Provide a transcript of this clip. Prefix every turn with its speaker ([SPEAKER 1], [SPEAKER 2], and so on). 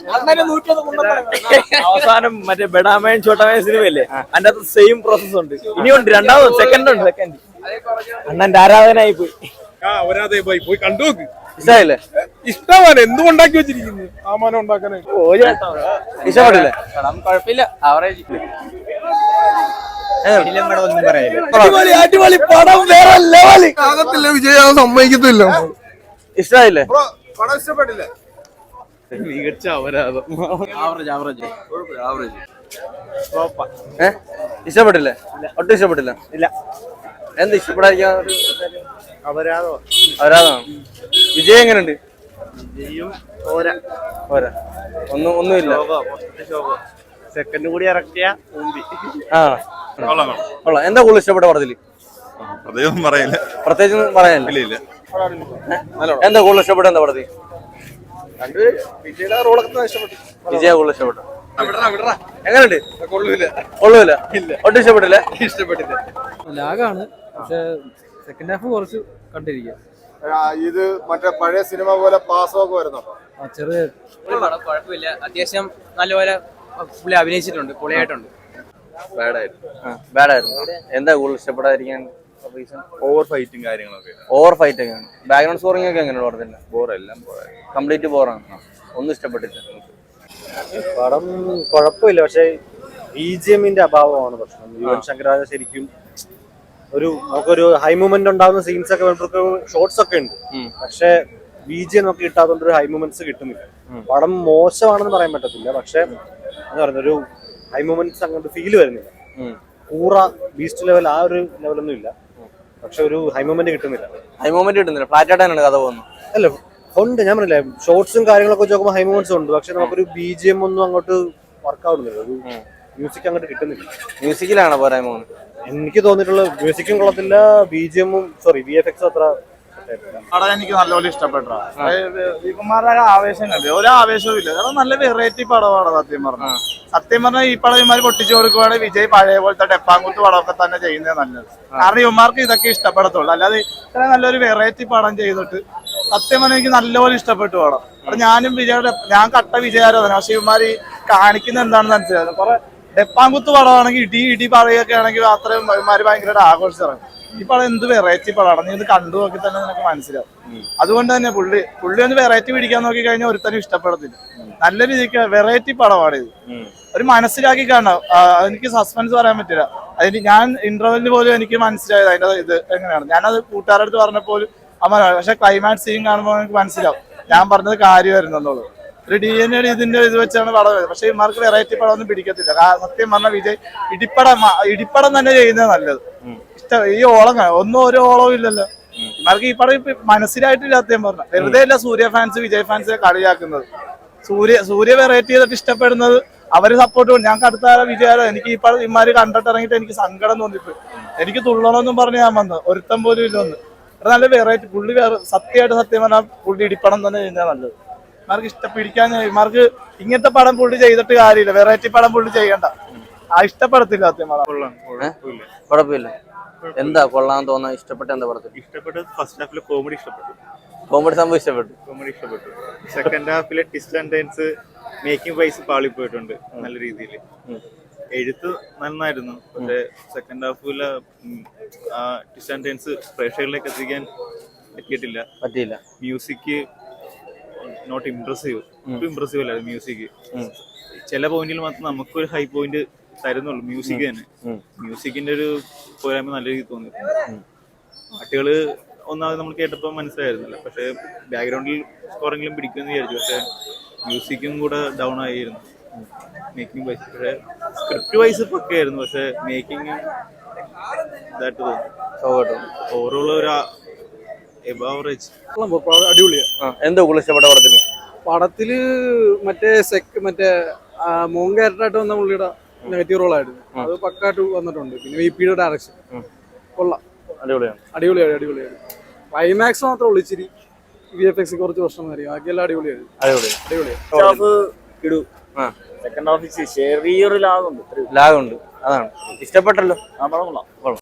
[SPEAKER 1] അവസാനം മറ്റേ ബെഡാമയൻ ചോട്ടാമയൻ സിനിമയല്ലേ, അതിന്റെ അകത്ത് സെയിം പ്രോസസ് ഉണ്ട്. ഇനിയുണ്ട്, രണ്ടാമത് സെക്കൻഡ് ഉണ്ട്. സെക്കൻഡ് അണ്ണന്റെ ആരാധനായി പോയി.
[SPEAKER 2] പോയി കണ്ടു നോക്ക്.
[SPEAKER 1] ഇഷ്ടമായില്ലേ?
[SPEAKER 2] ഇഷ്ടമാണ്. എന്തുകൊണ്ടാക്കി വെച്ചിരിക്കുന്നു ആ മാനം ഉണ്ടാക്കാനായിട്ട്.
[SPEAKER 1] ഇഷ്ടപ്പെട്ടില്ലേ?
[SPEAKER 3] കുഴപ്പമില്ല, ആവറേജ്.
[SPEAKER 1] അടിപൊളി പടം, വേറെ ലെവല്.
[SPEAKER 2] വിജയം സമ്മതിക്കത്തില്ല.
[SPEAKER 1] ഇഷ്ടമായില്ലേ?
[SPEAKER 2] പടം ഇഷ്ടപ്പെട്ടില്ലേ?
[SPEAKER 1] മികച്ച അപരാധം. ഇഷ്ടപ്പെട്ടില്ലേ? ഒട്ടും ഇഷ്ടപ്പെട്ടില്ല. ഇല്ല. എന്ത് ഇഷ്ടപ്പെടാതിരിക്കാൻ? അപരാധമാണ്. വിജയ് എങ്ങനെയുണ്ട്? ഒന്നുമില്ല.
[SPEAKER 3] സെക്കൻഡ് കൂടി ഇറക്കിയ
[SPEAKER 1] കൊള്ളാം. എന്താ കൂടുതൽ ഇഷ്ടപ്പെട്ട പടത്തില്? പ്രത്യേകിച്ച് പറയാനില്ല. എന്താ കൂടുതൽ ഇഷ്ടപ്പെട്ട? എന്താ പടത്തിൽ വിജയ കൂടുതൽ ഇഷ്ടപ്പെട്ടു? എങ്ങനെയുണ്ട്? കൊള്ളൂല. ഒട്ടും ഇഷ്ടപ്പെട്ടില്ല.
[SPEAKER 4] ലാഗാണ്, പക്ഷെ സെക്കൻഡ് ഹാഫ് കുറച്ച് കണ്ടിരിക്കുക.
[SPEAKER 2] ഇത് മറ്റേ പഴയ സിനിമ പോലെ പാസ്സൊക്കെ വരുന്നുണ്ടോ?
[SPEAKER 4] ചെറിയ
[SPEAKER 3] കുഴപ്പമില്ല, അത്യാവശ്യം നല്ലപോലെ പുള്ളി അഭിനയിച്ചിട്ടുണ്ട്, പൊളിയായിട്ടുണ്ട്.
[SPEAKER 1] ബാഡായിരുന്നു. എന്താ കൂടുതൽ ഇഷ്ടപ്പെടാതിരിക്കാൻ?
[SPEAKER 2] ഓവർ ഫൈറ്റും കാര്യങ്ങളൊക്കെ.
[SPEAKER 1] ഓവർ ഫൈറ്റ് ഒക്കെയാണ്. ബാക്ക്ഗ്രൗണ്ട് സ്കോറിംഗ് ഒക്കെ എങ്ങനെയാണ് പറഞ്ഞില്ല?
[SPEAKER 2] ബോറെല്ലാം
[SPEAKER 1] കംപ്ലീറ്റ് ബോറാണ്. ഒന്നും ഇഷ്ടപ്പെട്ടില്ല.
[SPEAKER 5] പടം കുഴപ്പമില്ല, പക്ഷെ BGMന്റെ അഭാവമാണ് പ്രശ്നം. യുവൻ ശങ്കർ രാജ ശരിക്കും നമുക്കൊരു ഹൈ മൂവ്മെന്റ് ഉണ്ടാകുന്ന സീൻസ് ഒക്കെ ഷോർട്സ് ഒക്കെ ഉണ്ട്, പക്ഷെ BGM നമുക്ക് കിട്ടാത്തതുകൊണ്ട് ഒരു ഹൈ മൂവ്മെന്റ്സ് കിട്ടുന്നില്ല. പടം മോശമാണെന്ന് പറയാൻ പറ്റത്തില്ല, പക്ഷെ എന്താ പറയുക, ഒരു ഹൈ മൂവ്മെന്റ്സ് അങ്ങോട്ട് ഫീൽ വരുന്നില്ല. കൂറ ബീസ്റ്റ് ലെവൽ ആ ഒരു ലെവലൊന്നും ഇല്ല, പക്ഷെ ഒരു ഹൈ മൂവ്മെന്റ് കിട്ടുന്നില്ല.
[SPEAKER 1] ഫ്ലാറ്റ് ആയിട്ടാണ് കഥ പോകുന്നത്.
[SPEAKER 5] അല്ല, ഉണ്ട്. ഞാൻ പറഞ്ഞില്ലേ, ഷോർട്സും കാര്യങ്ങളൊക്കെ നോക്കുമ്പോൾ ഹൈ മൂവ്മെന്റ്സ് ഉണ്ട്, പക്ഷെ നമുക്കൊരു BGM ഒന്നും അങ്ങോട്ട് വർക്ക് ആവുന്നില്ല. ഒരു മ്യൂസിക് അങ്ങോട്ട് കിട്ടുന്നില്ല.
[SPEAKER 1] മ്യൂസിക്കിലാണ് പോരായ്മ.
[SPEAKER 5] എനിക്ക് തോന്നിയിട്ടുള്ള മ്യൂസിക്കും കൊള്ളത്തില്ല, VFX അത്ര.
[SPEAKER 6] എനിക്ക് നല്ലപോലെ ഇഷ്ടപ്പെട്ടു. വികുമാരുടെ ആവേശം കണ്ടു, ഒരാവേശവും ഇല്ല. കാരണം നല്ല വെറൈറ്റി പടമാണ്. സത്യം പറഞ്ഞാൽ ഈ പടം ഇവന്മാർ പൊട്ടിച്ചു കൊടുക്കുവാണെങ്കിൽ വിജയ് പഴയ പോലത്തെ ഡെപ്പാങ്കുത്ത് പടമൊക്കെ തന്നെ ചെയ്യുന്നത് നല്ലത്. കാരണം ഇവന്മാർക്ക് ഇതൊക്കെ ഇഷ്ടപ്പെടത്തുള്ളൂ. അല്ലാതെ ഇത്ര നല്ലൊരു വെറൈറ്റി പടം ചെയ്തിട്ട് സത്യം പറഞ്ഞാൽ എനിക്ക് നല്ലപോലെ ഇഷ്ടപ്പെട്ടു പടം. അപ്പൊ ഞാൻ കട്ട വിജയാരാധന. പക്ഷെ ഇവന്മാർ കാണിക്കുന്ന എന്താണെന്ന് മനസ്സിലായിരുന്നു. കുറെ ഡെപ്പാങ്കുത്ത് പടമാണെങ്കിൽ ഇടി പറയുകയൊക്കെ ആണെങ്കിൽ അത്രയും ഇവന്മാര് ഭയങ്കരമായിട്ട് ആഘോഷിച്ചിറങ്ങും. ഈ പടം എന്ത് വെറൈറ്റി പടമാണ്, നീ ഇത് കണ്ടു നോക്കി തന്നെ നിനക്ക് മനസ്സിലാവും. അതുകൊണ്ട് തന്നെ പുള്ളി ഒന്ന് വെറൈറ്റി പിടിക്കാൻ നോക്കി കഴിഞ്ഞാൽ ഒരുത്തനും ഇഷ്ടപ്പെടത്തില്ല. നല്ല രീതിക്ക് വെറൈറ്റി പടമാണ് ഇത്. ഒരു മനസ്സിലാക്കി കാണാം. എനിക്ക് സസ്പെൻസ് പറയാൻ പറ്റില്ല. അതിന് ഞാൻ ഇന്റർവെല്ലിന് പോലും എനിക്ക് മനസ്സിലായത് അതിന്റെ ഇത് എങ്ങനെയാണ്. ഞാനത് കൂട്ടുകാരുടെ അടുത്ത് പറഞ്ഞപ്പോലും പക്ഷെ ക്ലൈമാക്സ് സീൻ കാണുമ്പോൾ എനിക്ക് മനസ്സിലാവും ഞാൻ പറഞ്ഞത് കാര്യമായിരുന്നുള്ളത്. ഒരു DNA ഇതിന്റെ ഇത് വെച്ചാണ് പടം വരുന്നത്. പക്ഷെ ഇമാർക്ക് വെറൈറ്റി പടം ഒന്നും പിടിക്കത്തില്ല. സത്യം പറഞ്ഞാൽ വിജയ് ഇടിപ്പടം തന്നെ ചെയ്യുന്നത് നല്ലത്. ഈ ഓളം ഒരു ഓളവും ഇല്ലല്ലോ ഇമാർക്ക്. ഈ പടം മനസ്സിലായിട്ടില്ല സത്യം പറഞ്ഞ. വെറുതെ അല്ല സൂര്യ ഫാൻസ് വിജയ് ഫാൻസിനെ കളിയാക്കുന്നത്. സൂര്യ വെറൈറ്റി ചെയ്തിട്ട് ഇഷ്ടപ്പെടുന്നത് അവര് സപ്പോർട്ട് ചെയ്യും. ഞാൻ അടുത്ത വിജയാലോ എനിക്ക് ഈ പടം ഇമാര് കണ്ടിട്ട് ഇറങ്ങിയിട്ട് എനിക്ക് സങ്കടം തോന്നിപ്പോയി. എനിക്ക് തുള്ളണമെന്നും പറഞ്ഞ് ഞാൻ വന്നത്, ഒരുത്തം പോലും ഇല്ലൊന്ന്. നല്ല വെറൈറ്റി പുള്ളി സത്യം പറഞ്ഞാൽ പുള്ളി ഇടിപ്പടം തന്നെ ചെയ്യുന്നത് നല്ലത്. ഇമാർക്ക് പിടിക്കാൻ ഇമാർക്ക് ഇങ്ങനത്തെ പടം പുള്ളി ചെയ്തിട്ട് കാര്യമില്ല. വെറൈറ്റി പടം പുള്ളി ചെയ്യണ്ട. ഇഷ്ടപ്പെടത്തില്ല സത്യം പറഞ്ഞാൽ.
[SPEAKER 1] കുഴപ്പമില്ല. എന്താ കൊള്ളാൻ തോന്നാൻ ഇഷ്ടപ്പെട്ട? എന്താ പടത്തിൽ
[SPEAKER 7] ഇഷ്ടപ്പെട്ടത്? ഫസ്റ്റ് ഹാഫിലെ കോമഡി ഇഷ്ടപ്പെട്ടു.
[SPEAKER 1] സംഭവം
[SPEAKER 7] ഇഷ്ടപ്പെട്ടു. സെക്കൻഡ് ഹാഫിലെ twist and turns making wise പാളിപ്പോയിട്ടുണ്ട് നല്ല രീതിയിൽ. എഴുത്ത് നന്നായിരുന്നു, പക്ഷെ സെക്കൻഡ് ഹാഫിലെ ട്വിസ്റ്റ് ആൻഡ് ടേൺസ് പ്രേക്ഷകരിലേക്ക് എത്തിക്കാൻ പറ്റിയില്ല. മ്യൂസിക് നോട്ട് ഇംപ്രസീവ് അല്ല മ്യൂസിക്. ചില പോയിന്റിൽ മാത്രം നമുക്കൊരു ഹൈ പോയിന്റ് തരുന്നുള്ളൂ മ്യൂസിക് തന്നെ. മ്യൂസിക്കിന്റെ ഒരു പോരായ്മ നല്ല രീതിയിൽ തോന്നി. പാട്ടുകള് ഒന്നാമത് നമ്മൾ കേട്ടപ്പോൾ മനസ്സിലായിരുന്നില്ല, പക്ഷെ ബാക്ക്ഗ്രൗണ്ടിൽ സ്കോറെങ്കിലും പിടിക്കുമെന്ന് വിചാരിച്ചു. പക്ഷെ മ്യൂസിക്കും കൂടെ ഡൗൺ ആയിരുന്നു മേക്കിംഗ് വൈസ്. പക്ഷെ സ്ക്രിപ്റ്റ് വൈസ് ഒക്കെ ആയിരുന്നു, പക്ഷെ മേക്കിംഗ് ഇതായിട്ട് തോന്നി. ഓവറോൾ ഒരു എബാവറേജ്.
[SPEAKER 4] അടിപൊളിയാ.
[SPEAKER 1] എന്താ കൂടുതൽ ഇഷ്ടപ്പെട്ട
[SPEAKER 4] പടത്തില്? മറ്റേ മോൻ ക്യാരക്ടറായിട്ട് വന്ന പുള്ളിയുടെ നെഗറ്റീവ് റോളായിരുന്നു, അത് പക്കായിട്ട് വന്നിട്ടുണ്ട്. പിന്നെ VPയുടെ ഡയറക്ഷൻ കൊള്ളാം, അടിപൊളിയാണ്. ക്ലൈമാക്സ് മാത്രമേ ഉള്ളൂ ഇച്ചിരി VFX കുറച്ച് പ്രശ്നമായിരിക്കും, ബാക്കിയെല്ലാം അടിപൊളിയാണ്.
[SPEAKER 1] സെക്കൻഡ് ഹാഫ് ചെറിയൊരു ലാഗുണ്ട്. അതാണ് ഇഷ്ടപ്പെട്ടല്ലോ.